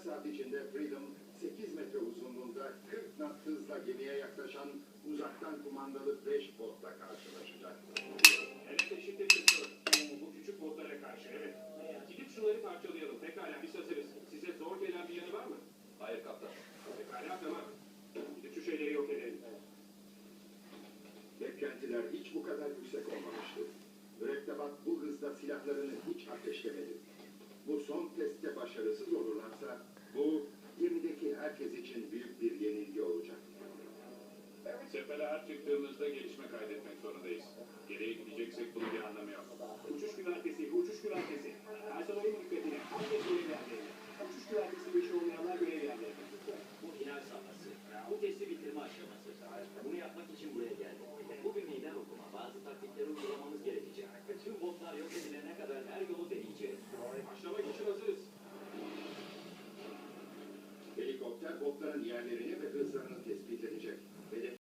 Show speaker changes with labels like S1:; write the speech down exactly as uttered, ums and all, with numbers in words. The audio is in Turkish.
S1: saat içinde Freedom, sekiz metre uzunluğunda kırk knot hızla gemiye yaklaşan uzaktan kumandalı beş botla karşılaşacak.
S2: Evet, eşittir kızım. Bu küçük botlara karşı, evet. Gidip şunları parçalayalım. Pekala, biz hazırız. Size zor gelen bir yanı var mı?
S3: Hayır kaptan.
S2: Pekala, tamam. Gidip şu şeyleri yok edelim.
S1: Beklentiler hiç bu kadar yüksek olmamıştı. Mürettebat bu hızda silahlarını hiç ateşlemedi. Bu son testte başarısız olurlarsa bu gemideki herkes için büyük bir yenilgi olacak.
S3: Sefere her çıktığımızda gelişme kaydetmek zorundayız. Geriye gideceksek bunun bir anlamı yok.
S2: Uçuş güvertesi, uçuş güvertesi. Personelin dikkatine, herkes görev yerlerine. Uçuş güvertesi işi olmayanlar görev yerlerine.
S4: Bu final safhası. Bu testi bitirme aşaması. Bunu yapmak için buraya geldim. Bu bir meydan okuma. Bazı taktikleri uygulamamız gerekecek. Tüm botlar yok edilene kadar her yolu deneyeceğiz.
S2: Başlamak için hazırız.
S1: Helikopter botlara